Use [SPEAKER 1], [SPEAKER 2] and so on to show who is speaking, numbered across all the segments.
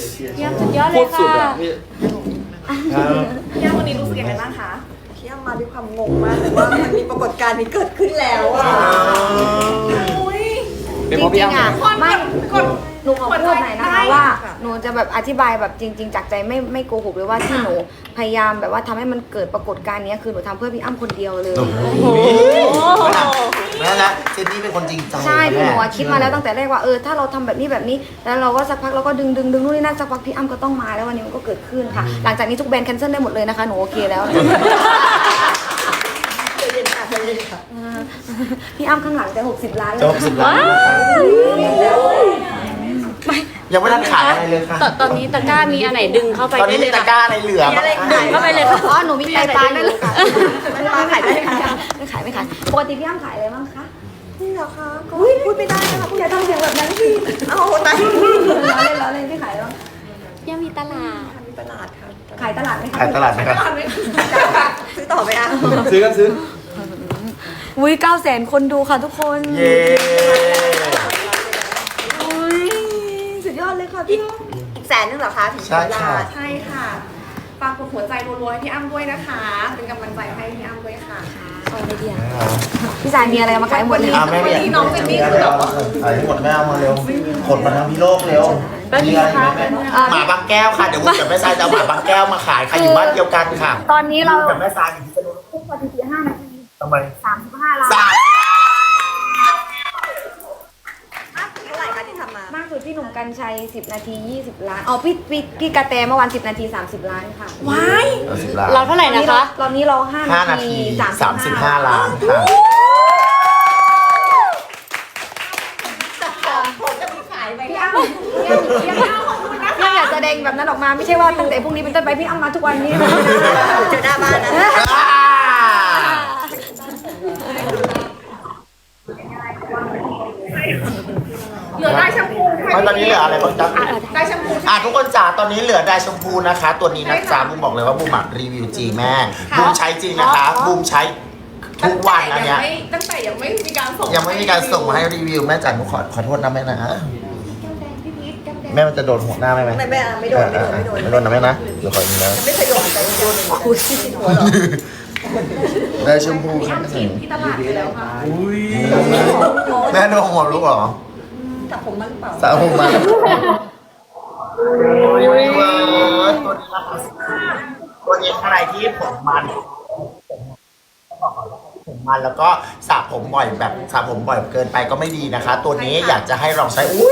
[SPEAKER 1] พี่อ้ำสุดยอดเล
[SPEAKER 2] โค
[SPEAKER 1] ย
[SPEAKER 2] ตรสุด
[SPEAKER 1] ค่ะ
[SPEAKER 2] อ่ะพี่
[SPEAKER 3] พี่อ้ำวันนี้รู้สึกยังไงบ้างคะพี่อ้ำมาด้วยความงงมากเลยว่ามันมีปรากฏการณ์นี้เกิดขึ้นแล้วอ่ะ
[SPEAKER 2] เป็น
[SPEAKER 4] จ
[SPEAKER 2] เพราะพี่
[SPEAKER 4] ริง
[SPEAKER 2] อ้ำ
[SPEAKER 4] ๆอ่ะไม่ หนูขอพูดหน่อยนะคะว่า
[SPEAKER 3] ค่ะ
[SPEAKER 4] หนูจะแบบอธิบายแบบจริง ๆ จากใจไม่โกหกเลยว่าที่หนูพยายามแบบว่าทำให้มันเกิดปรากฏการณ์นี้คือหนูทำเพื่อพี่อ้ำคนเดียวเลย
[SPEAKER 5] นั่นแหละเจนนี่เป็นคนจริงใจ
[SPEAKER 4] ใช่คือหนูอะคิดมาแล้วตั้งแต่แรกว่าถ้าเราทำแบบนี้แล้วเราก็สักพักเราก็ดึงนู่นนี่นั่นสักพักพี่อ้ำก็ต้องมาแล้ววันนี้มันก็เกิดขึ้นค่ะ หลังจากนี้ทุกแบรนด์แคนเซิลได้หมดเลยนะคะหนูโอเคแล้วพี่อ้ำข้างหลังจะ60 ล้าน
[SPEAKER 5] จ
[SPEAKER 4] แล้ว
[SPEAKER 5] บ10 ล้านยังไม่ทันขายอะไรเลยค่ะ
[SPEAKER 1] ตอนนี้ตะกร้ามีอันไหนดึงเข้าไป
[SPEAKER 5] ตอน
[SPEAKER 1] ได้
[SPEAKER 5] นี้
[SPEAKER 1] เล
[SPEAKER 5] มี
[SPEAKER 1] ย
[SPEAKER 5] ตะ
[SPEAKER 1] นะ
[SPEAKER 5] กร้าอะไรเหลือบ้าง
[SPEAKER 1] ดึงเข้าไปเลยค่ะ
[SPEAKER 4] อ๋อหนูมีไตปลาอยู่ค่ะ
[SPEAKER 3] มันมาขายได้ค่ะ
[SPEAKER 4] ไม่ขายปกติพี่อ้ำขายอะไรบ้างคะ
[SPEAKER 3] นี่เหรอคะก็พูดไม่ได้นะคะพูด
[SPEAKER 4] อย่าทำเสียงแบบนั้นพี่
[SPEAKER 3] เอาตาย
[SPEAKER 4] ล้อเล่นพี่ขายอะไรบ้าง
[SPEAKER 1] พี่อ้ำมีตลาด
[SPEAKER 3] มีตลาดค่ะ
[SPEAKER 4] ขายตลาดไหมคะ
[SPEAKER 5] ขายตลาดไหมครับ
[SPEAKER 3] ซื้อต่อไหมอ่ะ
[SPEAKER 2] ซื้อกันซื้อ
[SPEAKER 4] อุ้ย900,000 คนดูค่ะทุกคน
[SPEAKER 5] เย้
[SPEAKER 4] อุ้ยสุดยอดเลยค่ะพี่
[SPEAKER 3] อีก100,000นึงเหรอคะถึง
[SPEAKER 5] ใช่ค่ะ
[SPEAKER 3] ใช่ค่ะฝากกดหัวใจรัวๆให้พี่อ้ำด้วยนะคะ เป็นกำลังใจให้พี่อ้ำด้วยค่ะ
[SPEAKER 4] เอาไปเดียวพี่สายมีอะไรมาขายหมดเลย
[SPEAKER 5] อ่ะแม่เนี่ย
[SPEAKER 3] วันนี้น้องเจนนี่คือแบบว่า
[SPEAKER 5] ขายให้หมดแม่เอามาเร็วขนมาทั้งพี่โลกเร็วมีอะไรไหมแม่หมาบางแก้วค่ะเดี๋ยววุ้นกับแม่ทรายจะเอาหมาบางแก้วมาขายใครอยู่บ้านเดียวกันค่ะ
[SPEAKER 4] ตอนนี้เรา
[SPEAKER 5] กับแม่ทรายอยู่ที่สนุน
[SPEAKER 4] ทุกวันที่5 นาที
[SPEAKER 5] ทำไม
[SPEAKER 4] 35 ล้าน
[SPEAKER 5] สาม
[SPEAKER 3] เท่าไหร่คะที่ทำมา
[SPEAKER 4] มากสุดพี่หนุ่มกัญชัย10 นาที 20 ล้านอ๋อพี่กระแตเมื่อวาน10 นาที 30 ล้านค่ะ
[SPEAKER 3] ว้าย
[SPEAKER 5] 10 ล้าน
[SPEAKER 1] เราเท่าไหร่นะคะ
[SPEAKER 4] ตอนนี้เรา5
[SPEAKER 5] 5 นาที 35 ล้านค่ะ
[SPEAKER 3] ผมจะมีขายไหม
[SPEAKER 4] พี่อ้ำพี่อ้ำอยากแสดงแบบนั้นออกมาไม่ใช่ว่าตั้งแต่พรุ่งนี้เป็นต้นไปพี่อ้ำมาทุกวันนี้นะ
[SPEAKER 3] เจอหน้าบ้านนะ
[SPEAKER 5] อ่า
[SPEAKER 3] เหลือได้แชมพู
[SPEAKER 5] ไม่ตอนนี้เหลืออะไรบ้างจ๊ะ
[SPEAKER 3] ได้แชมพู
[SPEAKER 5] ทุกคนจ๋าตอนนี้เหลือไดร์ชมพูนะคะ ตัวนี้นะจ๊ะบูมบอกเลยว่าบูมอะรีวิวจริงแม่บูมใช้จริงนะคะบูมใช้ทุกวันนะเนี่ย
[SPEAKER 3] ตั้งแต่ยังไม่มีการส่ง
[SPEAKER 5] ยังไม่มีการส่งมาให้รีวิวแม่จ๋าหนูขอโทษนะแม่นะแม่มันจะโดนหัวหน้าไหม
[SPEAKER 3] ไม่โดน
[SPEAKER 5] ไม่โดนนะแม่นะเดี๋ยวขออีกแล้ว
[SPEAKER 3] ไม่เคยโดนแต่โดนคุยที่หัวหรอ
[SPEAKER 5] ไดร์ชมพูค่ะ
[SPEAKER 3] ที่ตลาดไปแล้วค่ะ
[SPEAKER 5] แม่โดนหัวลูกเหรอ
[SPEAKER 3] แต่ผมมันเปล่า
[SPEAKER 5] สาวผมมาตัวนี้อะไรที่ผมมันแล้วก็สระผมบ่อยแบบสระผมบ่อยเกินไปก็ไม่ดีนะคะ ตัวนี้อยากจะให้ลองใช้อุ้ย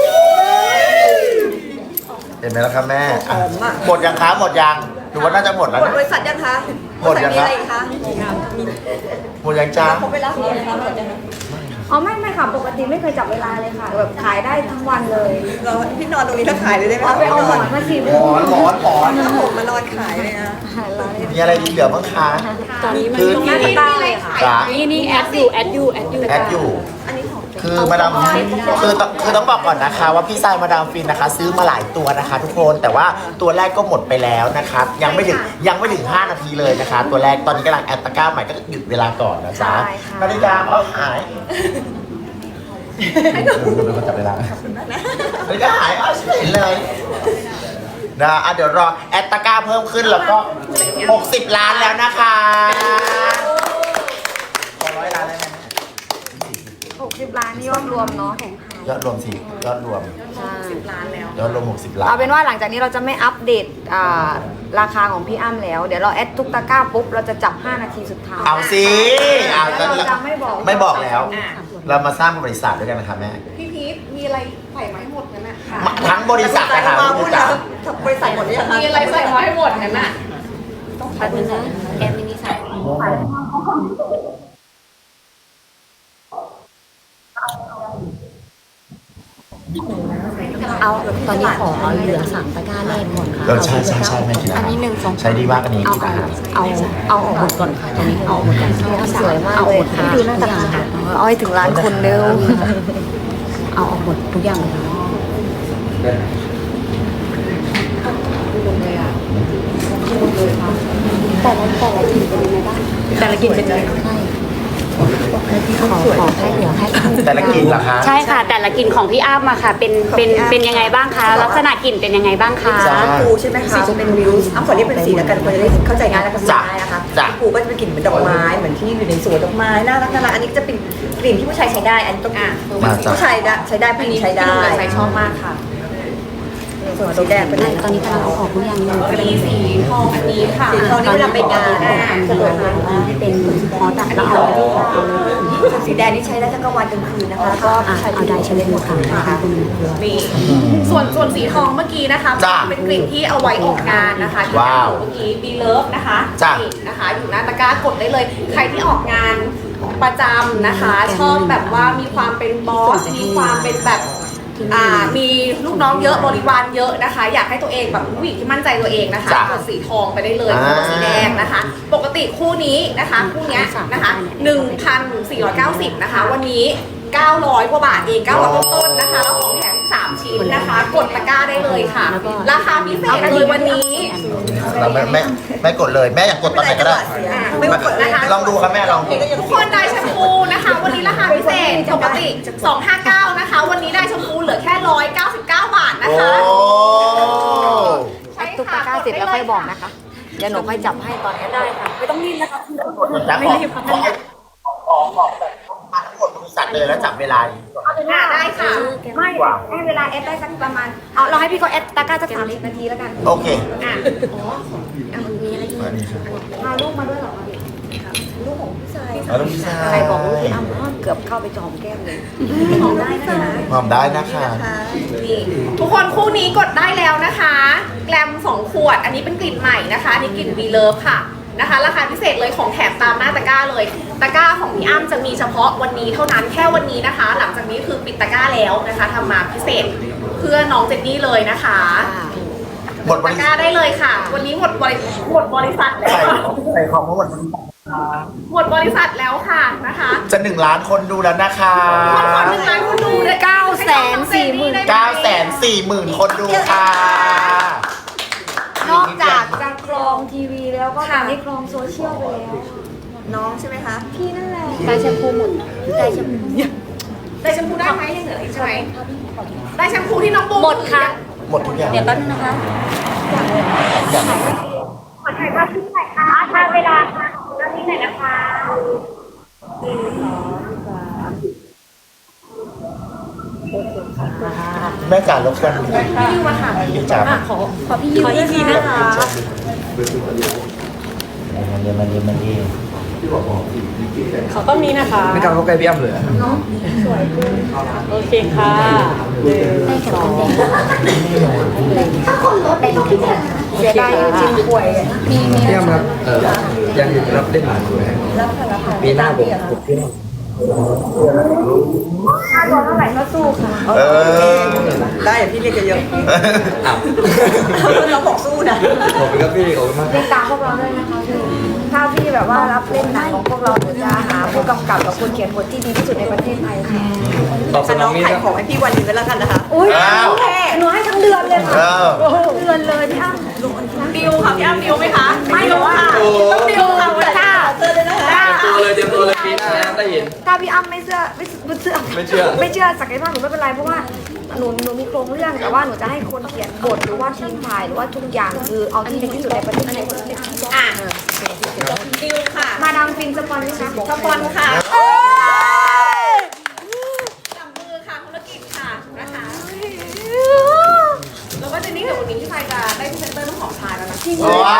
[SPEAKER 5] เห็นไหมล่ะครับแม่อ่ะหมดยังคะหมดยังหรือว่าน่าจะหมดแล้ว
[SPEAKER 3] หมด
[SPEAKER 5] เนี่ย
[SPEAKER 3] บริษัทยังคะ
[SPEAKER 5] หมดยัง
[SPEAKER 3] มี
[SPEAKER 5] คะ
[SPEAKER 3] อะไรคะ
[SPEAKER 5] หมดยังจ้า
[SPEAKER 3] เขาไปรับเลยคะหมดยัง
[SPEAKER 4] อ๋อไม่ค่ะปกติไม่เคยจับเวลาเลยค่ะแบบขายได้ทั้งวันเลย
[SPEAKER 3] เราพี่นอนตรงนี้ถ้าขายเลยได้ไหม
[SPEAKER 4] เอาไปเอาหมอนมา4
[SPEAKER 5] หมอน
[SPEAKER 3] ถ้าผมมานอนขายเลยนะ
[SPEAKER 5] มีอะไรดีเหลือบ้างคะ
[SPEAKER 1] ตอนนี้มัน
[SPEAKER 5] คือ
[SPEAKER 1] มี
[SPEAKER 4] ตาเลยค่ะ
[SPEAKER 5] จ๋า
[SPEAKER 1] นี่แอดอยู่
[SPEAKER 5] แอดอยู่ คือมาดามคือต้องบอกก่อนนะคะ ว่าพี่ทรายมาดามฟินนะคะ ซื้อมาหลายตัวนะคะ ทุกคนแต่ว่าตัวแรกก็หมดไปแล้วนะคะยังไม่ถึง5 นาทีเลยนะคะ ตัวแรกตอนนี้กำลังแอดตะกร้าใหม่ก็หยุดเวลาก่อนนะจ๊ะนาฬิกาเอาหายเป็นคนจับเวลานาฬิกาหายเอาเฉยเลยนะเดี๋ยวรอแอดตะกร้าเพิ่มขึ้นแล้วก็60 ล้านแล้วนะคะ100 ล้านแล้วนะ
[SPEAKER 4] 60 ล้านนี่ยอดรวมเนาะ
[SPEAKER 5] ยอดรวมสิยอดรวม
[SPEAKER 4] ใช่
[SPEAKER 5] ยอดรวม60 ล้าน
[SPEAKER 4] เอาเป็นว่าหลังจากนี้เราจะไม่อัปเดตราคาของพี่อ้ำแล้ว เดี๋ยวเราแอดทุกตะกร้าปุ๊บเราจะจับ5 นาทีสุดท้าย
[SPEAKER 5] เอาสิเอา
[SPEAKER 4] แล้วเราจะไม่บอก
[SPEAKER 5] ไม่บอกแล้ว เรามาสร้างบริษัทด้วยกันนะคะแม่
[SPEAKER 3] พี่พีทมีอะไรใส่มาให้หมดนั่นน่ะ
[SPEAKER 5] ทั้งบริษัทนะคะ
[SPEAKER 3] มา
[SPEAKER 5] พี่
[SPEAKER 3] พูด
[SPEAKER 5] จ๋า
[SPEAKER 3] แล้วบริษัทหมดยัง
[SPEAKER 1] มีอะไรใส่มาให้หมดนั่นน่ะ
[SPEAKER 4] แป๊บนึงนะแอดมินิสัยเอาตอนนี้ขอเหลือ3 ตะกร้าแรกก่อนค่ะ
[SPEAKER 5] ใช่แม่กิน
[SPEAKER 4] อันนี้1 2
[SPEAKER 5] ใช้ดีมากอันนี้
[SPEAKER 4] เอาออกหมดก่อนค่ะตอนนี้เอาออกหมดก่อนสวยมากเลยค่ะดูหน้าตาเอาให้ถึงล้านคนเร็วเอาออกหมดทุกอย่างเลยแต่ละกลิ่นเป็นยังไงบ้างแต่ละกลิ่นเป็นยังไงใช่
[SPEAKER 1] ขอแค่เหลือแค่
[SPEAKER 5] แต่ละกลิ่นเหรอคะ
[SPEAKER 1] ใช่ค่ะ แต่ละกลิ่นของพี่อ้ำอะค่ะ เป็นยังไงบ้างคะ ลักษณะกลิ่นเป็นยังไงบ้างคะ
[SPEAKER 5] จ้า
[SPEAKER 3] ปูใช่ไหมคะเป็นวิวอ้ำขอเรียกเป็นสีแล้วกันคนจะได้เข้าใจง่ายและกันง่ายนะคะ
[SPEAKER 5] จ้ะ
[SPEAKER 3] ปูก็จะเป็นกลิ่นเหมือนดอกไม้เหมือนที่อยู่ในสวนดอกไม้น่ารักน่ารักอันนี้จะเป็นกลิ่นที่ผู้ชายใช้ได้อันนี้ต้อง
[SPEAKER 5] มาจ้ะ
[SPEAKER 3] ผู้ชายใช้ได้ผู้หญิงใช้ได้
[SPEAKER 1] ใช้ชอบมากค่ะ
[SPEAKER 3] ส่วนสีแดงเป็น
[SPEAKER 1] ตอนนี้กำลังเอาออกหรือยัง
[SPEAKER 2] มีสีทองอันนี้ค่ะ
[SPEAKER 3] สีทองนี่เวลาไปงาน
[SPEAKER 1] สะดวกที่เป็นพอตัดแล้วเอาเลย
[SPEAKER 3] สีแดงนี่ใช้ได้ทั้งกลางวันกลางคืนนะคะแล้วก็
[SPEAKER 1] เอาได้ใช้เลยหมดค่ะ
[SPEAKER 2] นี่ส่วนสีทองเมื่อกี้นะคะ
[SPEAKER 5] จ้ะ
[SPEAKER 2] เป็นกลิ่นที่เอาไว้ออกงานนะคะที่
[SPEAKER 5] ว้าว
[SPEAKER 2] เมื่อกี้บีเลิฟนะคะ
[SPEAKER 5] จ้ะ
[SPEAKER 2] นี่นะคะ อยู่หน้าตะกร้ากดได้เลย ใครที่ออกงานประจำนะคะ ชอบแบบว่ามีความเป็นบอสมีความเป็นแบบมีลูกน้องเยอะบริวารเยอะนะคะ อยากให้ตัวเองแบบผู้หญิงที่มั่นใจตัวเองนะคะ
[SPEAKER 5] จ้ะ
[SPEAKER 2] กดสีทองไปได้เลยคู่กับสีแดงนะคะ ปกติคู่นี้นะคะคู่เนี้ยนะคะ 1,490 นะคะ วันนี้ 900 กว่าบาทเอง900ต้นๆนะคะ แล้วของแถม3ชิ้นนะคะ กดตะกร้าได้เลยค่ะ ราคาพิเศษเลยวันนี้
[SPEAKER 5] เราไม่กดเลยแม่อยากกดตอนไหนก็ได้
[SPEAKER 3] ไม่กดนะคะ
[SPEAKER 5] ลองดูครับแม่ลองดู
[SPEAKER 2] ทุกคนได้แชมพูนะคะ วันนี้ราคาพิเศษปกติ 259 นะคะ วันนี้ได้แชมพูเหลือแค่ 199 บาทนะ
[SPEAKER 5] โอ้
[SPEAKER 2] คะ
[SPEAKER 4] แอดตุ๊กตาเสร็จแล้วค่อยบอกนะคะ เดี๋ยวหนูค่อยจับให้ตอนนี้ได้ค่ะ ไม่ต้องรีบนะคะ
[SPEAKER 5] จะขอแบบมาทั้งหมดบริษัทเลยแล้วจับเวลาอยู่ก่อน
[SPEAKER 2] ได้ค่ะ
[SPEAKER 4] ไม่ให้เวลาแอดได้สักประมาณเอาเราให้พี่เขาแอดตะกร้าสัก30 นาทีแล้วกัน
[SPEAKER 5] โอเค
[SPEAKER 2] อ่ะ
[SPEAKER 4] พาลูกมาด้วยเหรอ
[SPEAKER 3] ลูกของพี่ชาย
[SPEAKER 5] เอาลูกพี่ชาย
[SPEAKER 4] ใครบอกลูกพี่อ้ำเกือบเข้าไปจอมแก้มเลย
[SPEAKER 3] ของได้นะคะ
[SPEAKER 5] หอมได้นะคะ
[SPEAKER 2] นี่ทุกคนคู่นี้กดได้แล้วนะคะ แกลม2 ขวด อันนี้เป็นกลิ่นใหม่นะคะอันนี้กลิ่นวีเลิฟค่ะนะคะ ราคาพิเศษเลยของแถมตามหน้าตะกร้าเลย ตะกร้าของพี่อ้ำจะมีเฉพาะวันนี้เท่านั้นแค่วันนี้นะคะ หลังจากนี้คือปิดตะกร้าแล้วนะคะทำมาพิเศษเพื่อน้องเจนนี่เลยนะคะ
[SPEAKER 5] หมดบ
[SPEAKER 2] ตะ
[SPEAKER 5] ริ
[SPEAKER 2] ก
[SPEAKER 5] ษั
[SPEAKER 2] ร้า
[SPEAKER 5] ท
[SPEAKER 2] ได้เลยค่ะ วันนี้หมดบริษัทแล้ว
[SPEAKER 5] ใส่ของมาหมดบริษัท
[SPEAKER 2] หมดบริษัทแล้วค่ะนะคะ
[SPEAKER 5] จะ1 ล้านคนดูแล้วนะคะ
[SPEAKER 2] คนหนึ่งล้านคนดูเลย
[SPEAKER 5] 940,000 คนดูค่ะ
[SPEAKER 4] นอกจากจะครองทีวีแล้วก็ตอนนี้ครองโซเชียลไปแล้ว
[SPEAKER 3] น้องใช่ไหมคะ
[SPEAKER 4] พี่นั่นแหละ
[SPEAKER 1] ได้แชมพูหมดได้แชมพู
[SPEAKER 2] ได้แชมพูได้ไหมยังเหลืออีกใช่ไหมได้แชมพูที่น้องบู
[SPEAKER 1] หมดค่ะ
[SPEAKER 5] หมดทุกอย่าง
[SPEAKER 1] เดี๋ยวแป๊บนึงนะคะ
[SPEAKER 2] ขอถ่ายภาพที่ไหนคะถ่ายเวลาค่ะแล้วที่ไหนนะคะ
[SPEAKER 5] แม่จ๋ารบกวน
[SPEAKER 2] พี่ยูมาค่ะ
[SPEAKER 5] พี่จ๋า
[SPEAKER 1] ขอพี่ยูอีกทีนะคะ
[SPEAKER 5] มันดี
[SPEAKER 1] ขอต้นนี้นะคะ
[SPEAKER 6] ไม่กล้าเข้าใกล้พี่อ้ำเลยอะ
[SPEAKER 1] โอเคค่ะได้แค่ต้นแดง
[SPEAKER 4] เสียดายจริงป่วย
[SPEAKER 6] พี่อ้ำครับยังอยู่รับเล่นหนังอยู่ไหม
[SPEAKER 3] รับค่ะรับค่ะ
[SPEAKER 6] ปีหน้าผมพี่
[SPEAKER 4] ค่าตัวเท่าไหร่ก็สู้ค่ะ
[SPEAKER 5] เออ
[SPEAKER 3] ได้เดี๋ยวพี่เรียกเยอะ
[SPEAKER 6] อ้าว
[SPEAKER 3] ๆเราบอกสู้นะ
[SPEAKER 6] ขอบคุณครับพี่ขอบคุณมาก
[SPEAKER 4] ติดตามพวกเราด้วยนะคะพี่ถ้าพี่แบบว่ารับเล่นหนังของพวกเราหนูจะหาผู้กำกับกับคนเขียนบทที่ดีที่สุดในประเทศไทยค่ะ
[SPEAKER 6] ตอบสน
[SPEAKER 3] น้
[SPEAKER 6] อ
[SPEAKER 3] อง ง
[SPEAKER 6] นี้
[SPEAKER 3] ขาย
[SPEAKER 6] นะ
[SPEAKER 3] ของให้พี่วันนี้ไปแล้วกันนะคะ
[SPEAKER 4] อุ้ยหนูให้ทั้งเดือนเลยค่ะ
[SPEAKER 5] เออ
[SPEAKER 4] เดือนเลยพี่อ้ำ
[SPEAKER 2] ดิวค่ะพี่อ้ำดิวไหมคะ
[SPEAKER 4] ไม่
[SPEAKER 2] ดิวค่ะ
[SPEAKER 6] โอ้
[SPEAKER 2] ต้องดิวค่ะวันนี้
[SPEAKER 3] เจอเลยนะคะ
[SPEAKER 6] เตรียมตัวเลยปีหน้านะได้เห็น
[SPEAKER 4] ถ้าพี่อ้ำไม่เชื่อศักยภาพหนูไม่เป็นไรเพราะว่าหนูมีโครงเรื่องแต่ว่าหนูจะให้คนเขียนบทหรือว่าทีมถ่ายหรือว่าทุกอย่างคือเอาที่ดีที่สุดในประเทศไทย
[SPEAKER 2] อ่ะดิวค่ะ
[SPEAKER 4] มาดามฟินสปอนไหมคะ
[SPEAKER 2] สปอนค่ะจับมือค่ะธุรกิจค่ะนะคะแล้วก็เจนนี่กับวันนี้พี่ชายจะได้พรีเซนเตอร์น้ำหอมชายแล้วนะ
[SPEAKER 5] ว้าว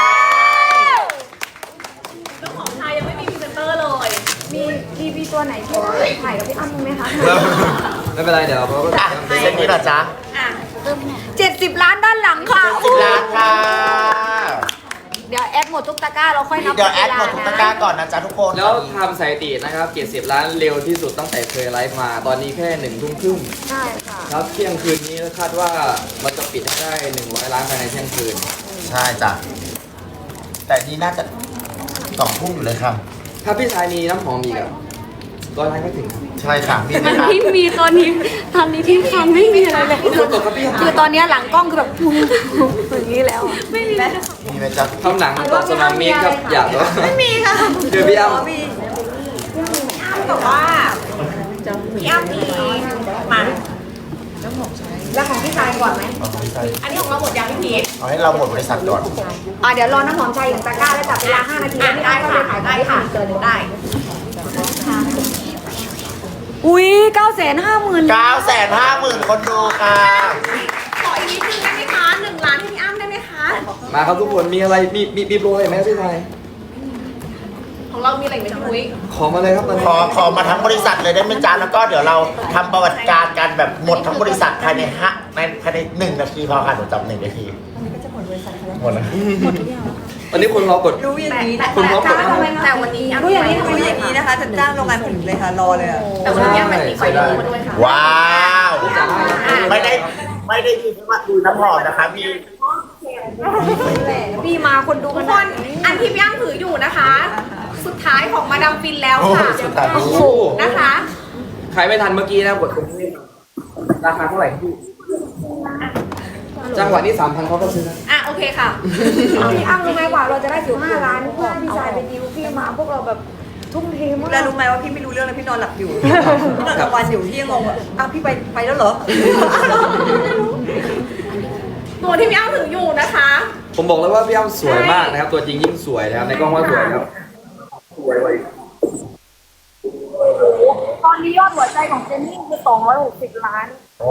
[SPEAKER 2] น้ำหอมชายยังไม่มีพรีเซนเตอร์เลย
[SPEAKER 4] มีทีวีตัวไหนที่ถ่ายกับพี่อ้ำไหมคะ
[SPEAKER 6] ไม่เป็นไรเดี๋ยวเขาก็
[SPEAKER 5] อ่ะเส้นนี้เหรอจ๊ะ
[SPEAKER 2] อ่ะ
[SPEAKER 4] 70 ล้านด้านหลังค่ะ
[SPEAKER 5] 10 ล้านค่ะ
[SPEAKER 4] เดี๋ยวแอดหมดทุกตะกร้าเราค่อยนับ
[SPEAKER 5] เดี๋ยวแอดหมดทุกตะกร้าก่อนนะจ๊ะทุกคน
[SPEAKER 6] แล้วทำสถิตินะครับ70 ล้านเร็วที่สุดตั้งแต่เคยไลฟ์มา ตอนนี้แค่1 ทุ่มครึ่ง
[SPEAKER 4] ใช่ค่ะ
[SPEAKER 6] ครับเที่ยงคืนนี้คาดว่ามันจะปิดให้ได้100 ล้านภายในเที่ยงคืน
[SPEAKER 5] ใช่จ้ะ แต่นี่น่าจะ2 ทุ่มอยู่เลยค่ะ
[SPEAKER 6] ถ้าพี่ชายมีน้ำหอมอีกอะ100 ล้านก็ถึง
[SPEAKER 5] ใช่ค่ะมีไหม
[SPEAKER 1] มัน
[SPEAKER 5] คะ
[SPEAKER 1] ที่มีตอนนี้ที่ทำไม่มีอะไรเลย
[SPEAKER 6] ทุกคนตกครับพี่
[SPEAKER 4] คือตอนนี้หลังกล้องคือแบบอย่างนี้แล้ว
[SPEAKER 1] ไม่มีเลย
[SPEAKER 5] มีไหมจ๊ะ
[SPEAKER 6] ทำหนังตอบสนองมีครับอยากว่า
[SPEAKER 3] ไม่มีค่ะ
[SPEAKER 6] เจอพี่อ้ำ
[SPEAKER 3] มี
[SPEAKER 2] แต่ว่าพี่อ้ำมีมา
[SPEAKER 4] แล้วของพี่ชายก่อนไหม
[SPEAKER 2] อันนี้ของเราหมดยังพี่พีท
[SPEAKER 5] เอาให้เราหมดบริษัทก่อน
[SPEAKER 4] เดี๋ยวรอน้ำหอมชายอย่างตะกร้าแล้วจับเวลา5 นาทีแล้วพี่
[SPEAKER 2] ได้
[SPEAKER 4] อ้ำก็
[SPEAKER 2] ค่ะ
[SPEAKER 4] เลยขาย
[SPEAKER 2] ได้ค่ะ
[SPEAKER 4] เกิน
[SPEAKER 2] ได้
[SPEAKER 4] อุ้ย950,000
[SPEAKER 5] 950,000 คนดูค่ะ
[SPEAKER 2] ขออีกนิดนึงได้ไหมคะ1 ล้านให้พี่อ้ำได้ไหมคะ
[SPEAKER 6] มาครับทุกคนมีอะไรมีโปรอะไรไหมครับพี่ไทย
[SPEAKER 2] ของเรามีอะไรไหมน้องมุ้ย
[SPEAKER 6] ขอมาเลยครับตอนนี้
[SPEAKER 5] ขอมาทั้งบริษัทเลยได้ไหมจ๊ะแล้วก็เดี๋ยวเราทำประวัติการกันแบบหมดทั้งบริษัทภายใน1 นาทีพอค่ะหนูจับ1 นาทีหมดแล้ว
[SPEAKER 6] ตอนนี้คนรอกด
[SPEAKER 3] รู้อย่างนี้
[SPEAKER 6] คุณพร้อมกด
[SPEAKER 2] แต่วันนี้
[SPEAKER 3] รู้อย่างนี้รู้อย่างนี้นะคะจะจ้างโรงงานผลิตเลยค่ะรอเลยอะ
[SPEAKER 2] แต่วันนี้มันมีไฟดูมาด้วยค่ะ
[SPEAKER 5] ว้าวไม่ได้มีแค่ว่าดูน้ำหอมนะคะมี
[SPEAKER 4] พี่มาคนดู
[SPEAKER 2] ทุ
[SPEAKER 4] กั
[SPEAKER 2] ก
[SPEAKER 4] น
[SPEAKER 2] คนอันที่พี่อ้ำถืออยู่นะคะ สุดท้ายของมาดามฟินแล้ว
[SPEAKER 5] โอ้
[SPEAKER 2] ค่ะ
[SPEAKER 5] สุดท้าย
[SPEAKER 6] โอ้โห
[SPEAKER 2] นะคะ
[SPEAKER 6] ใครไม่ทันเมื่อกี้นะกดตรงนี้ราคาเท่าไหร่พี่จังหวะนี้ 3,000เขาก็ซื้อนะ
[SPEAKER 2] อ่ะโอเคค่ะ
[SPEAKER 4] พี่อ้ำรู้ไหมกว่าเราจะได้ถึง5 ล้านเพื่อพี่ชายไปดิวพี่มาพวกเราแบบทุ่มเทมาก
[SPEAKER 3] แล้วรู้ไหมว่าพี่ไม่รู้เรื่องเลยพี่นอนหลับอยู่พี่นอนกลางวันอยู่พี่ยังงงว่าอ้าวพี่ไปแล้วเหรอ
[SPEAKER 2] ตัวที่พี่อ้ำถืออยู่นะคะ
[SPEAKER 6] ผมบอกเลยว่าพี่อ้ำสวยมากนะครับ ตัวจริงยิ่งสวยนะครับในกล้องว่าสวยครับสวยเลย
[SPEAKER 4] ตอนนี้ยอดหัวใจของเจนนี่คือ260 ล้าน
[SPEAKER 5] โอ้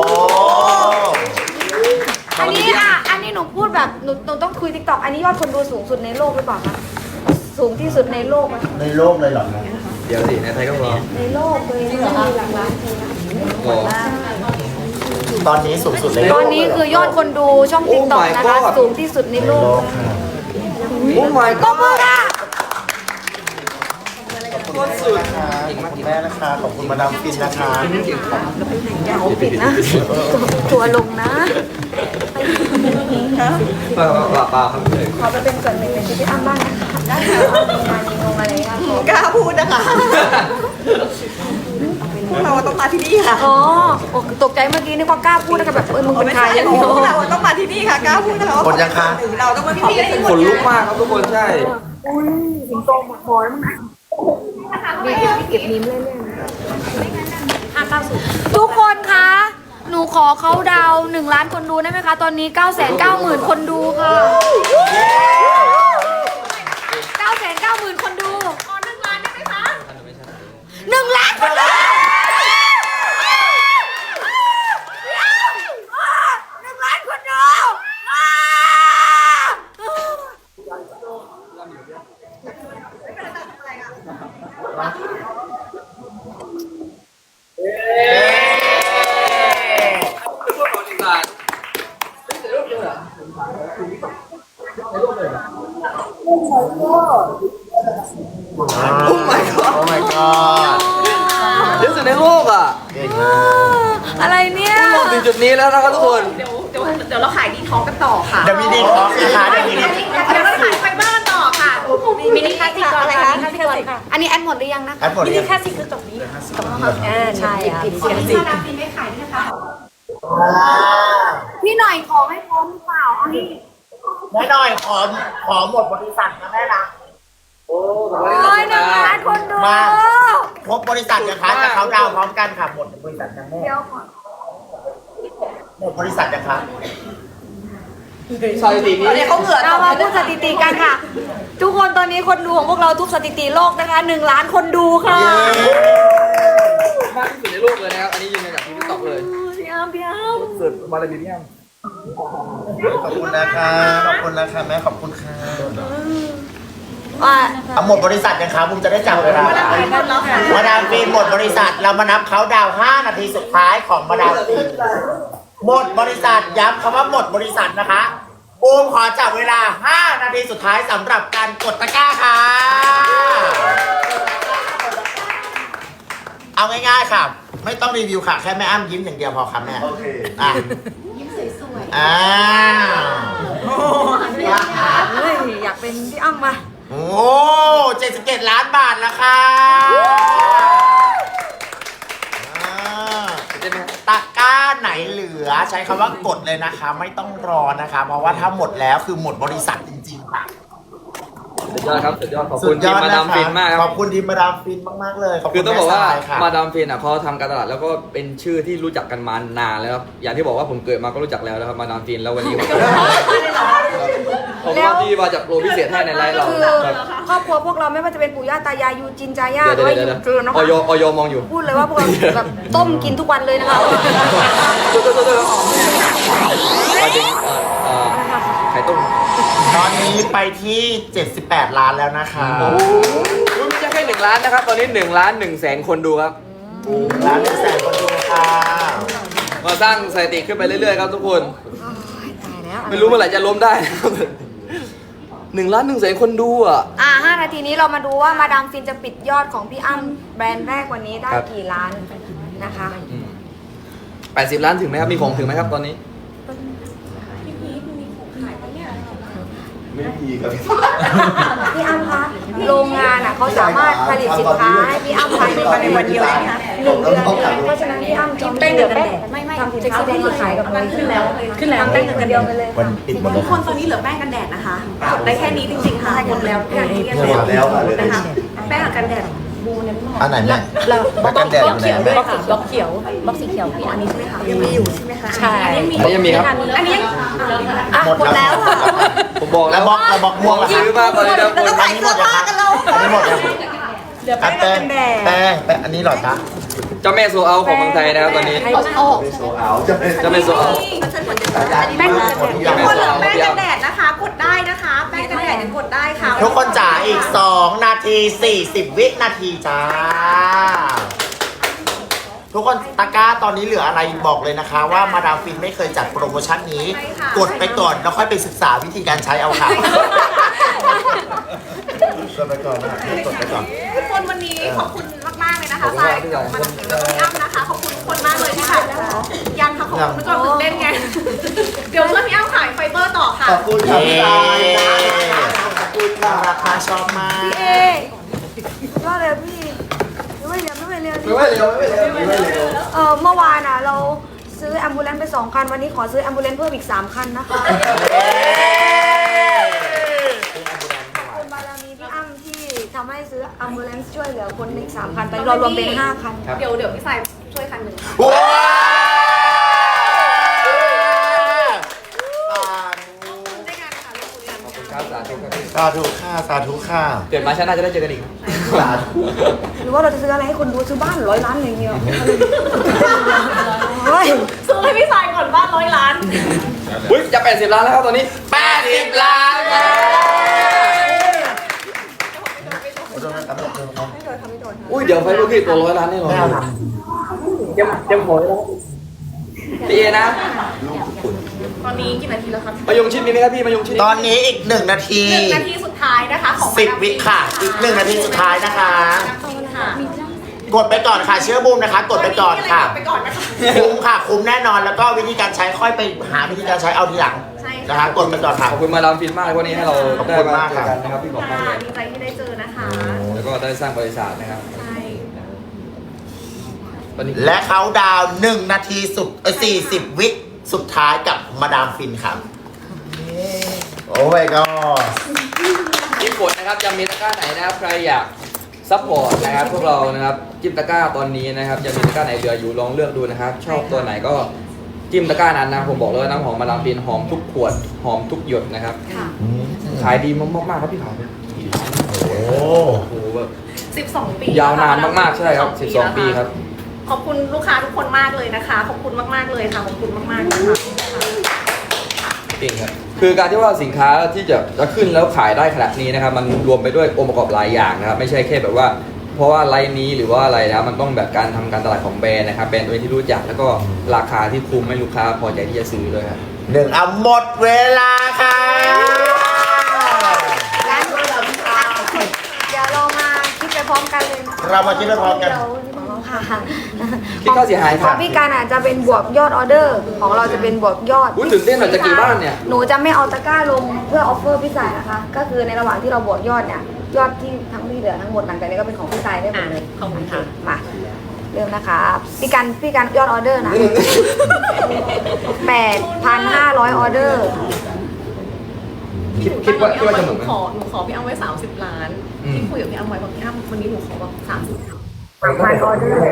[SPEAKER 4] อันนี้หนูพูดแบบหนูต้องคุย TikTok อันนี้ยอดคนดูสูงสุดในโลกหรือเปล่าคะสูงที่สุดในโลกอะ
[SPEAKER 5] ในโลกเลยเหรอคะ
[SPEAKER 6] เดี๋ยวสิในไทยก็พอ
[SPEAKER 4] ในโลกเลยมีหลักล้านทีนะ
[SPEAKER 6] โอ้
[SPEAKER 5] ตอนนี้สูงสุดเลย
[SPEAKER 4] ตอนนี้คือยอดคนดูช่อง
[SPEAKER 6] Oh
[SPEAKER 4] TikTok
[SPEAKER 6] my
[SPEAKER 4] นะคะ
[SPEAKER 6] God
[SPEAKER 4] สูงที่สุดใน
[SPEAKER 5] ใน
[SPEAKER 4] โล
[SPEAKER 5] โล
[SPEAKER 4] ก
[SPEAKER 5] กค่ะ
[SPEAKER 6] โอ้ my
[SPEAKER 4] ก็มือ
[SPEAKER 6] god
[SPEAKER 4] ค่ะ
[SPEAKER 6] โคตรสุด
[SPEAKER 5] ขอบคุณแม่นะคะ ขอบคุณมาดามฟินนะคะ
[SPEAKER 4] ปิดนะตัวลงนะ
[SPEAKER 6] เปล่าครับพี่
[SPEAKER 4] ขอไปเป็นส่วนหนึ่งในชีวิตอ้ำบ้างนะคะได้ค่ะมีงานมีงงอะไรค่ะขอก
[SPEAKER 3] ล้าพูดนะคะพวกเราต้องมาที่นี่ค่ะ
[SPEAKER 4] อ๋อตกใจเมื่อกี้นึกว่ากล้าพูดนะคะแบบมึงเป็น
[SPEAKER 3] ไม่
[SPEAKER 4] ใคร
[SPEAKER 3] ใช่พวกเราต้องมาที่นี่ค่ะกล้าพูดนะคะว่า
[SPEAKER 5] คนยังคะ
[SPEAKER 3] เราต้องมาขอบคุณ
[SPEAKER 6] ขนลุกมากครับทุกคนใช่
[SPEAKER 4] สิงโตหมดหอยมั้งดีเก็บนิ้มเรื่อยๆทุกคนคะหนูขอเขาดาว1 ล้านคนดูได้ไหมคะ ตอนนี้ 990,000 คนดูค่ะ 990,000 คนดู
[SPEAKER 2] ขอ1 ล้านได้ไหมคะ
[SPEAKER 4] 1 ล้านคนดู1 ล้านคนดู
[SPEAKER 6] โอ้ my god
[SPEAKER 5] โอ้ my god
[SPEAKER 6] เยอะสุดในโลกอ่ะ
[SPEAKER 5] เก่งมาก
[SPEAKER 4] อะไรเนี่ย
[SPEAKER 6] โลกถึงจุดนี้แล้วนะครับทุกคน
[SPEAKER 2] เดี๋ยวเราขายดีท้องกันต่อค่ะ
[SPEAKER 5] เดี๋ยวมีดีท็อกซ์นะคะเดี๋ยวมีดี
[SPEAKER 2] เดี๋ยวเราขายไฟเบอร์กันต่อค่ะ
[SPEAKER 4] มินิคลาสสิกก่อนอะไรคะอันนี้แอดหมดหรือยังนะคะ
[SPEAKER 5] แอดหมดเลย
[SPEAKER 2] แค่สิคือจบนี้
[SPEAKER 4] ใช่ค่ะ
[SPEAKER 2] ขอที่มาดามฟินไม่ขายด้วยนะคะ
[SPEAKER 4] พี่หน่อยขอให้พร้อมหรือเปล่าเอานี่
[SPEAKER 5] แม่หน่อยขอหมดบริษัทนะแม่นะ
[SPEAKER 6] โอ้
[SPEAKER 4] โอ้ย1 ล้านคนดู
[SPEAKER 5] มาครบบริษัทนะคะจะเขาดาวน์พร้อมกันค่ะหมดบริษัทนะแม่
[SPEAKER 4] เดี๋ยวก่อน
[SPEAKER 5] หมดบริษัทนะคะ
[SPEAKER 6] สถิตินี้
[SPEAKER 3] ตอนนี้เขาเหงื่อ
[SPEAKER 4] เรามาพูดสถิติกันค่ะ ทุกคนตอนนี้คนดูของพวกเราทุกสถิติโลกนะคะ1 ล้านคนดูค่ะ
[SPEAKER 6] มากที่สุดในโลกเลยนะครับ อันนี้ยืนยันจากที่ติ๊กต็อกเลย
[SPEAKER 4] พี่อ้ำพี่อ้ำ
[SPEAKER 6] สุดมาเลยพี่อ้ำ
[SPEAKER 5] ขอบคุณนะคะขอบคุณนะคะแม่ขอบคุณค่ะ
[SPEAKER 4] อ่ะ
[SPEAKER 5] เอาหมดบริษัทยังคะบุมจะได้จำเวลา
[SPEAKER 2] หมดแล้วค่ะ
[SPEAKER 5] มาดามฟินหมดบริษัทเรามานับเขาดาวน์5 นาทีสุดท้ายของมาดามฟินหมดบริษัทย้ำคำว่าหมดบริษัทนะคะบูมขอจับเวลา5 นาทีสุดท้ายสำหรับการกดตะกร้าค่ะ เอาง่ายๆค่ะ ไม่ต้องรีวิวค่ะ แค่แม่อ้ำยิ้มอย่างเดียวพอค่ะแม่โอเคอ่ะยิ้มสวยๆอ่า
[SPEAKER 4] เฮ้ยอยากเป็นพี่อ้ำมา
[SPEAKER 5] โอ้77 ล้านบาทแล้วค่ะอ่า
[SPEAKER 6] เต้นไหมครับ
[SPEAKER 5] ตะกร้าไหนเหลือใช้คำว่ากดเลยนะคะ ไม่ต้องรอนะคะ เพราะว่าถ้าหมดแล้วคือหมดบริษัทจริงๆค่ะ
[SPEAKER 6] สุดยอดครับสุดยอดขอบ
[SPEAKER 5] สุ
[SPEAKER 6] คุณ
[SPEAKER 5] ดย
[SPEAKER 6] ทีม
[SPEAKER 5] อด
[SPEAKER 6] มา
[SPEAKER 5] นะ
[SPEAKER 6] ดาม
[SPEAKER 5] คะ
[SPEAKER 6] ฟินมากค
[SPEAKER 5] ข
[SPEAKER 6] รั
[SPEAKER 5] อ
[SPEAKER 6] บบ
[SPEAKER 5] คุณทีมมาดามฟินมากๆเลยขอบ
[SPEAKER 6] คื
[SPEAKER 5] คุ
[SPEAKER 6] อ
[SPEAKER 5] ณ
[SPEAKER 6] ต้องบอกว่า
[SPEAKER 5] แม่ทรยค่ะ
[SPEAKER 6] มาดามฟินเขาทำการตลาดแล้วก็เป็นชื่อที่รู้จักกันมานานแล้วครับอย่างที่บอกว่าผมเกิดมาก็รู้จักแล้วนะครับมาดามฟินแล้ววันนี้ผมก็ที่มาจากโปรพิเศษให้ในไลฟ์เรา
[SPEAKER 4] คือ
[SPEAKER 6] ครับ
[SPEAKER 4] ครอบครัวพวกเราไม่ว่าจะเป็นปู่ย่าตายายยูจินจาย่าห
[SPEAKER 6] เดี๋
[SPEAKER 4] รื
[SPEAKER 6] ยว
[SPEAKER 4] อว่า
[SPEAKER 6] เดี๋ยว
[SPEAKER 4] ยู
[SPEAKER 6] เดี๋ยว
[SPEAKER 4] เกินนะ
[SPEAKER 6] อ
[SPEAKER 4] คะ
[SPEAKER 6] อยมองอยู่
[SPEAKER 4] พูดเลยว่าพวกเราแบบต้มกินทุกวันเลยนะคะ
[SPEAKER 6] ไปถึงไข่ต้ม
[SPEAKER 5] ตอนนี้ไปที่ 78 ล้านแล้วนะคะ
[SPEAKER 6] ไม่ใช่แค่1 ล้านนะครับ ตอนนี้1 ล้าน 1 แสนคนดูครับ
[SPEAKER 5] ล้าน1 แสนคนดูค่ะ
[SPEAKER 6] มาสร้างสถิติขึ้นไปเรื่อยๆครับทุกคน
[SPEAKER 4] ตายแล้ว
[SPEAKER 6] ไม่รู้เมื่อไหร่จะล้มได้นะครับ1 ล้าน 1 แสนคนดูอ่ะ
[SPEAKER 4] 5 นาทีนี้เรามาดูว่ามาดามฟินจะปิดยอดของพี่อ้ำแบรนด์แรกวันนี้ได้
[SPEAKER 6] ครับ
[SPEAKER 4] กี่ล้านนะคะ
[SPEAKER 6] 80 ล้านถึงไหมครับมีของถึงไหมครับตอนนี้
[SPEAKER 4] พี่อ้ำคะโรงงานอ่ะเขาสามารถผลิตสินค้าให้พี่อ้ำภายในวันเดียวใช่ไหมคะ1 เดือนเพราะฉะนั้นพี่อ้ำจะไม่เหลือแป้งไม่ทำสินค้าแป้งขายกับเราขึ้นแล้วทำแป้งกันเดียวไปเลย
[SPEAKER 5] วันปิดหมดเล
[SPEAKER 2] ทุ
[SPEAKER 5] ย
[SPEAKER 2] กคนตอนนี้เหลือแป้งกันแดดนะคะกดได้แค่นี้จริงๆค่ะหมดแล้วอย่างที่เรียน
[SPEAKER 5] หมดแล้วค่ะ
[SPEAKER 2] นะคะแป้งกันแดด
[SPEAKER 5] อันไหนแม่
[SPEAKER 1] เรา
[SPEAKER 5] แม่กันแดดอยู่ไหนแม่
[SPEAKER 1] บล็อกเขียวบล็อกสีเขียวพี่อันนี้ใช่ไหมคะ
[SPEAKER 3] ยังมีอยู่ใช่ไหมคะ
[SPEAKER 1] ใช่
[SPEAKER 6] อันนี้ยังมีครับ
[SPEAKER 2] อันนี้
[SPEAKER 5] หมดแล้วค่ะ
[SPEAKER 6] ผมบอก
[SPEAKER 5] แล้
[SPEAKER 6] แล้ว ว
[SPEAKER 5] บล็อกม่วงล่ะคะ
[SPEAKER 6] ซื้อมากเลยนะคน
[SPEAKER 5] อันนี้หมดยังคะอันนี้หมดยังแป้งแป้งอันนี้เหรอคะ
[SPEAKER 6] เจ้าแม่โซเอาของเมืองไทยนะครับตอนนี้ เจ้าแม่โซเอา
[SPEAKER 2] แป้งกันแดดทุกคนเหลือแป้งกันแดดนะคะ กดได้นะคะ แป้งกันแดดยังกดได้ค่ะ
[SPEAKER 5] ทุกคนจ๋าอีก 2 นาที 40 วินาทีจ้า ทุกคนตะกร้าตอนนี้เหลืออะไรบอกเลยนะคะ ว่ามาดามฟินไม่เคยจัดโปรโมชั่นนี้ กดไปก่อนแล้วค่อยไปศึกษาวิธีการใช้เอาค่ะกดไปก่อนนะกดไปก่อน
[SPEAKER 2] ทุกคนวันนี้ขอบคุณมากๆเลยนะคะทรายกับมาดามฟินแล้วก็พี่อ้ำนะคะ ขอบคุณทุกคนมากเลยที่แบบยังค่ะขอบคุณทุกคนตื่นเต้นไง เดี๋ยวเพื่อนพี่อ้ำขายไฟเบอร์ต่อค่ะ
[SPEAKER 5] ขอบคุณครับพี่ตายขอบคุณค่ะราคาชอบมาก
[SPEAKER 4] เอ๊ยอดเลยพี่ไม่เร็ว
[SPEAKER 6] ไม่เร็วไม่เร็วไม่เร็ว
[SPEAKER 4] เมื่อวานอ่ะเราซื้อแอมบูเลนซ์ไป2 คันวันนี้ขอซื้อแอมบูเลนซ์เพิ่มอีก3 คันนะคะขอบคุณบารมีพี่อ้ำที่ทำให้ซื้อแอมบูเลนซ์ช่วยเหลือคนอีก3 คันตอนนี้เรารวมเป็น5 คัน
[SPEAKER 2] เดี๋ยวพี่สายช่วยคันหนึ่งค่ะ
[SPEAKER 5] ว้าว
[SPEAKER 2] ได้งานค่ะเรื่องคุยกัน
[SPEAKER 6] ครับสาธุครับพี่
[SPEAKER 5] สาธุค่ะสาธุค่ะ
[SPEAKER 6] เกิดมาชาติหน้าจะได้เจอกันอีก
[SPEAKER 5] สาธุ
[SPEAKER 4] หรือว่าเราจะซื้ออะไรให้คนดูซื้อบ้าน100 ล้านอะไรอย่างเงี้ยเฮ้ย
[SPEAKER 2] ซื้อให้พี่สายก่อนบ้าน100 ล้าน
[SPEAKER 6] อุ้ยจะ80 ล้านแล้วครับตอนนี้80 ล้านแล้ว อุ้ยเดี๋ยวไฟลูกพี่ตัว100 ล้านแน่นอน
[SPEAKER 5] ไม่เอาค่ะ
[SPEAKER 6] เตรียมหัวเลยนะพี่เอนะ
[SPEAKER 2] ตอนนี้กี่นาทีแล้วครับ
[SPEAKER 6] มายงชิดมีไหมครับพี่มายงชิด
[SPEAKER 5] ตอนนี้อีก 1 นาที
[SPEAKER 2] 1 นาทีสุดท้ายนะคะของ
[SPEAKER 5] 10 วิค่ะ อีก 1 นาทีสุดท้ายนะคะ
[SPEAKER 2] ค่ะ
[SPEAKER 5] กดไปก่อนค่ะ เชื่อบูมนะคะ กดไปก่อนค่ะ
[SPEAKER 2] ไปก่อนนะคะ
[SPEAKER 5] คุ้มค่ะ คุ้มแน่นอน แล้วก็วิธีการใช้ค่อยไปหาวิธีการใช้เอาทีหลัง
[SPEAKER 2] ใช่
[SPEAKER 5] นะคะ กดไปก่อนค่ะ
[SPEAKER 6] ขอบคุณมาดามฟินมากวันนี้ให้เรา
[SPEAKER 5] ขอบ
[SPEAKER 6] ได้
[SPEAKER 5] คุณ
[SPEAKER 6] มาม
[SPEAKER 5] าก
[SPEAKER 6] เจ
[SPEAKER 5] ครั
[SPEAKER 6] อบ กันนะครับพี่บอกมากเล
[SPEAKER 2] ค่ะ
[SPEAKER 6] ย
[SPEAKER 2] ดีใจที่ได้เจอนะคะ
[SPEAKER 6] แล้วก็ได้สร้างบริษัทนะครับ
[SPEAKER 2] ใช่
[SPEAKER 6] ตอนนี้
[SPEAKER 5] และเขาดาวน์1 นาทีสุด40 วิสุดท้ายกับมาดามฟินครับ โอ้ my god
[SPEAKER 6] ที่กดนะครับยังมีตะกร้าไหนนะครับใครอยากซัพพอร์ตนะครับพวกเรานะครับจิ้มตะกร้าตอนนี้นะครับยังมีตะกร้าไหนเหลืออยู่ลองเลือกดูนะครับ ชอบตัวไหนก็จิ้มตะกร้านั้นนะผมบอกเลยว่าน้ำหอมมาดามฟินหอมทุกขวดหอมทุกหยดนะครับขายดีมากๆครับพี่ขาว
[SPEAKER 5] โอ้
[SPEAKER 6] โอ้โหแบบ
[SPEAKER 2] 12 ปี
[SPEAKER 6] ยาวนานมากๆใช่ครับ12 ปีครับ
[SPEAKER 2] ขอบคุณลูกค้าทุกคนมากเลยนะคะ ขอบคุณมากๆเลยค่ะ ขอบคุณมากๆนะคะ
[SPEAKER 6] จริงครับคือการที่ว่าสินค้าที่จะขึ้นแล้วขายได้ขนาดนี้นะครับมันรวมไปด้วยองค์ประกอบหลายอย่างนะครับไม่ใช่แค่แบบว่า เพราะว่าไลน์นี้หรือว่าอะไรนะมันต้องแบบการทำการตลาดของแบรนด์นะครับแบรนด์ตัวที่รู้จักแล้วก็ราคาที่คุ้มให้ลูกค้าพอใจที่จะซื้อด้วยครับ
[SPEAKER 5] 1เอาหมดเวลาค่ะ
[SPEAKER 4] เดี๋ยวเรามาคิดไปพร้อมกันเลย
[SPEAKER 5] เรามาคิดไปพร้อมกัน
[SPEAKER 4] ค่ะ
[SPEAKER 6] คิดค่าเสียหาย
[SPEAKER 4] ของพี่การอาจจะเป็นบวกยอดออเดอร์ ของเราจะเป็นบวกยอด
[SPEAKER 6] อุ้ยตื่นเต้นหน่อยจะกี่บ้านเนี่ย
[SPEAKER 4] หนูจะไม่เอาตะกร้าลงเพื่อออฟเฟอร์พี่สายนะคะ ก็คือในระหว่างที่เราบวกยอดเนี่ย ยอดที่ทั้งที่เหลือทั้งหมดหลังจากนี้ก็เป็นของพี่สายได้หมดเลย
[SPEAKER 2] ขอบคุณค่ะ
[SPEAKER 4] มาเริ่มนะคะพี่การยอดออเดอร์นะ 8,500 ออเดอร์
[SPEAKER 5] 8,500
[SPEAKER 6] คิดว่าจะเหมือนไหม
[SPEAKER 2] หนูขอพี่อ้ำไว้30 ล้าน
[SPEAKER 6] อืม
[SPEAKER 2] ที่คุยกับพี่อ้ำไว้บอกพี่อ้ำวันนี้หนูขอแบบ30
[SPEAKER 4] 3,000 ออเดอร์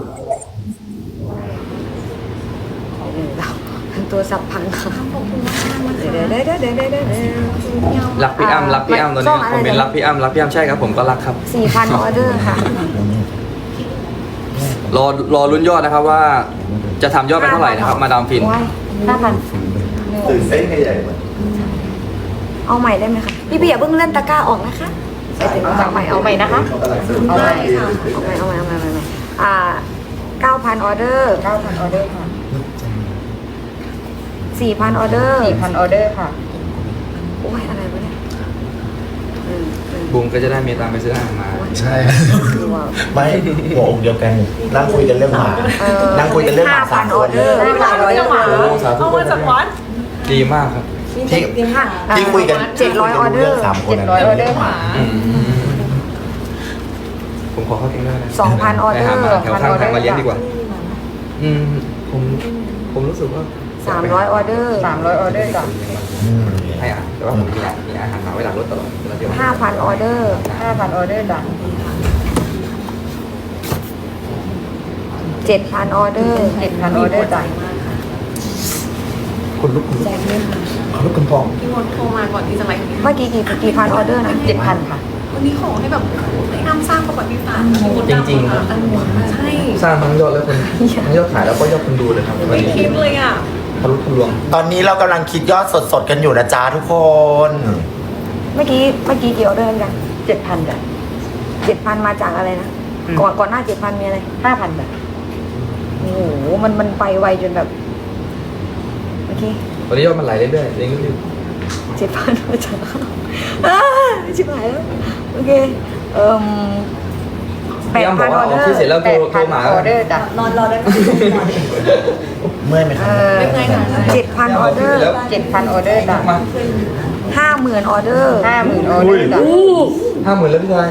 [SPEAKER 4] ตัวสับพังค่ะเดี๋ยว
[SPEAKER 6] รักพี่อ้ำรักพี่อ้ำตอนนี้คอมเมนต์รักพี่อ้ำรักพี่อ้ำใช่ครับผมก็รักครับ
[SPEAKER 4] 4,000 ออเดอร์ค่ะ
[SPEAKER 6] รอลุ้นยอดนะครับว่าจะทำยอดไปเท่าไหร่นะครับมาดามฟิน
[SPEAKER 4] 5,000
[SPEAKER 5] ตื่นเต้นใหญ่เหมือน
[SPEAKER 4] เอาใหม่ได้ไหมคะพี่อย่าเพิ่งเล่นตะกร้าออกนะคะใส่ถึงเอาใหม่เอาใหม่นะคะเอาใหม่เอาใหม่9,000 ออเดอร์ 9,000 ออเดอร์ค่ะ 4,000 ออเดอร์ 4,000 ออเดอร์ค่ะโอ้ยอะไรวะเนี่ย
[SPEAKER 6] บูมก็จะได้มีตังค์ไปซื้ออาหารมา
[SPEAKER 5] ใช่ไม่หัวอกเดียวกันนั่งคุยกันเรื่องหมานั่งคุยกันเรื่องหมาสาม
[SPEAKER 4] 5,000
[SPEAKER 5] ค
[SPEAKER 4] ออน เดอร์
[SPEAKER 2] เอามาจากวัด
[SPEAKER 6] ดีมากครับ
[SPEAKER 5] ที่คุยกัน
[SPEAKER 4] 700 ออเดอร์
[SPEAKER 5] สามคน
[SPEAKER 4] 700 ออเดอร์ค่ะ
[SPEAKER 6] ผมขอเข้าเองได้นะ
[SPEAKER 4] 2,000 ออเดอร์
[SPEAKER 6] ไปหาหมาแถวข้างทางมาเลี้ยงดีกว่า ผมรู้สึกว่า
[SPEAKER 4] 300 ออเดอร์ 300 ออเดอร์จ้ะ
[SPEAKER 6] ให้อาหารแต่ว่าผมมีอาหารหมาไว้หลังรถตลอดเวลาเที่ยว
[SPEAKER 4] 5,000 ออเดอร์ 5,000 ออเดอร์จ้ะ 7,000 ออเดอร์ 7,000 ออเดอร์จ้ะ
[SPEAKER 5] คนลุกคุณฟอง
[SPEAKER 2] พี่มดโทรมาก่อนที่จะไลฟ์
[SPEAKER 4] เมื่อกี้กี่พันออเดอร์นะ 7,000 ค่ะ
[SPEAKER 2] วันนี้ขอให้แบบให้อ้ำสร้างประวัติศาสตร์
[SPEAKER 6] จริงๆครับ
[SPEAKER 2] ใช่
[SPEAKER 6] สร้างทั้งยอดและคนทั้งยอดขายแล้วก็ยอดคนดูเลยครับวัน
[SPEAKER 2] ไม่
[SPEAKER 6] นี้
[SPEAKER 2] คิดเลยอ่ะ
[SPEAKER 6] ทะลุทะลวง
[SPEAKER 5] ตอนนี้เรากำลังคิดยอดสดๆกันอยู่นะจ๊ะทุกคน
[SPEAKER 4] เมื่อกี้กี่ออเดอร์ยัง 7,000 จ้ะ 7,000 มาจากอะไรนะ ก่อนหน้า 7,000 มีอะไร 5,000 จ้ะ โอ้โห มันไปไวจนแบบ เมื่อกี้
[SPEAKER 6] ตอนนี้ยอดมันไหลเรื่อยๆเรื่อย
[SPEAKER 4] 7,000 มาจากชิบหายแล้ว โอเค
[SPEAKER 6] ๆพี่อ้ำบอกว่าออกที่เสร็จแล้วโทรหมา
[SPEAKER 4] ออเดอร์จ้ะรอได้ไหม
[SPEAKER 5] เมื่อยไหมครับ
[SPEAKER 2] ไม่ไงค่ะ
[SPEAKER 4] 7,000 ออเดอร์ 7,000 ออเดอร์จ้ะ
[SPEAKER 6] มา
[SPEAKER 4] 50,000 ออเดอร์ 50,000 ออเดอร์จ้ะ
[SPEAKER 6] 50,000แล้วพี่ชาย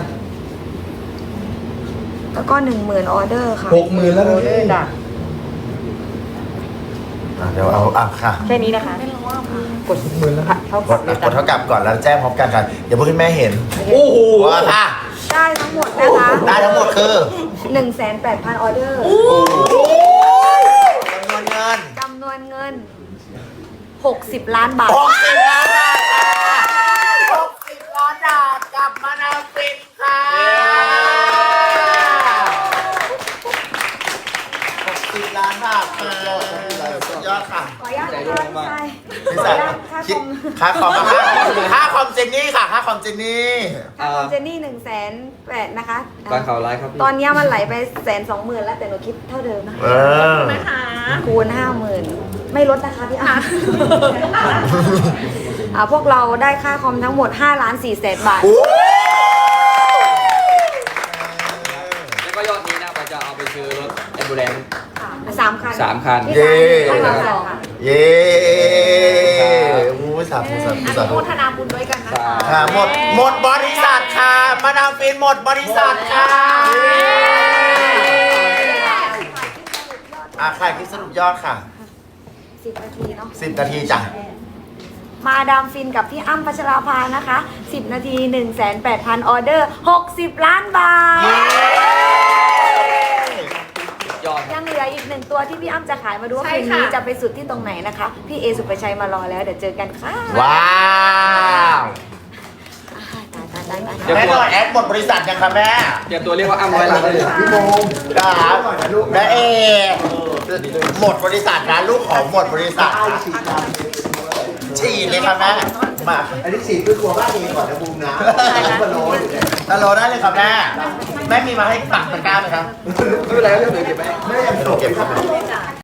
[SPEAKER 4] แล้วก็ 10,000 ออเดอร์ค่ะ
[SPEAKER 6] 60,000แล้วนะพี่
[SPEAKER 4] จ้ะ
[SPEAKER 5] เดี๋ยวเอาค่ะ
[SPEAKER 4] แค่นี้นะคะ
[SPEAKER 6] กด60,000แล้ว
[SPEAKER 4] เท่าก กับ
[SPEAKER 5] ดเท่ากับก่อนแล้วแจ้งพร้อมกันค่ะอย่าเพิ่งให้แม่เห็น
[SPEAKER 6] โอ้โห
[SPEAKER 5] ว่าค่ะ
[SPEAKER 4] ได้ทั้งหมดนะคะ
[SPEAKER 5] ได้ทั้งหมดคือ
[SPEAKER 4] 1,800,000 ออเดอร์
[SPEAKER 5] จำนวนเงิน
[SPEAKER 4] 60 ล้านบาท
[SPEAKER 5] 60 ล้านบาทค่ะ60 ล้านบาทกลับมานาฟินค่ะ60 ล้านบาทค่ะสุดยอดค่ะ
[SPEAKER 4] ขออนุญาตนะคะ
[SPEAKER 5] พี่สายคิดค่าคอมค่าคอมเจนนี่ค่ะค่าคอมเจนนี่
[SPEAKER 4] ค่าคอมเจนนี่1,800,000นะคะ
[SPEAKER 6] การข่าวไลฟ์ครับพี่
[SPEAKER 4] ตอนนี้มันไหลไป120,000แล้วแต่หนูคิดเท่าเดิมนะ
[SPEAKER 2] นะคะ
[SPEAKER 4] คูณ 50,000 ไม่ลดนะคะพี่อาพวกเราได้ค่าคอมทั้งหมด5,400,000 บาท
[SPEAKER 6] แล้วก็ยอดนี้นะเราจะเอาไปซื้อรถแอมบูเลนซ์
[SPEAKER 4] 3 คัน
[SPEAKER 6] 3 คัน
[SPEAKER 5] เย้
[SPEAKER 4] ให้มาสองค่ะ
[SPEAKER 5] เย้อู้สาธุสาธุ
[SPEAKER 2] อ
[SPEAKER 5] สา
[SPEAKER 2] นุ
[SPEAKER 5] ธุ
[SPEAKER 2] โมทนาบุญด้วยกันนะคะ
[SPEAKER 5] ค่ะหมดบริษัทค่ะ มาดามฟินหมดบริษัทค่ะใครคิดสรุปยอดค่ะ
[SPEAKER 4] 10 นาทีเนาะ
[SPEAKER 5] 10 นาทีจ้ะ
[SPEAKER 4] มาดามฟินกับพี่อ้ำพัชราภานะคะ 10 นาที 1,800,000 ออเดอร์ 60 ล้านบาท
[SPEAKER 6] ยอด
[SPEAKER 4] ยังเหลืออีก1ตัวที่พี่อ้ำจะขายมาดูว่า
[SPEAKER 2] ใช่
[SPEAKER 4] คืน
[SPEAKER 2] ค่ะ
[SPEAKER 4] นี้จะไปสุดที่ตรงไหนนะคะ พี่เอสุปชัยมารอแล้ว เดี๋ยวเจอกันค่ะ
[SPEAKER 5] ว้าว
[SPEAKER 4] ตาย
[SPEAKER 5] แม่หน่อยแอดหมดบริษัทยังคะแม่
[SPEAKER 6] เตรียมตัวเรียกว่าอ้ำร้อยล้านได้เลย
[SPEAKER 5] ครับแม่เอหมดบริษัทนะลูกของหมดบริษัทนะฉีดเลยค่ะแม่มา
[SPEAKER 7] อันนี้ฉีดด้วยตัวบ้านเองก่อนนะบูมนะมาโรย
[SPEAKER 5] ฮัลโหลได้เลยครับแม่แม่มีมาให้ปักตะกร้าไหมครับ
[SPEAKER 6] ไม่เป็นไรเรื่องเดี๋ยวเก็บไปให้
[SPEAKER 5] ไม่ยังเก็บครับ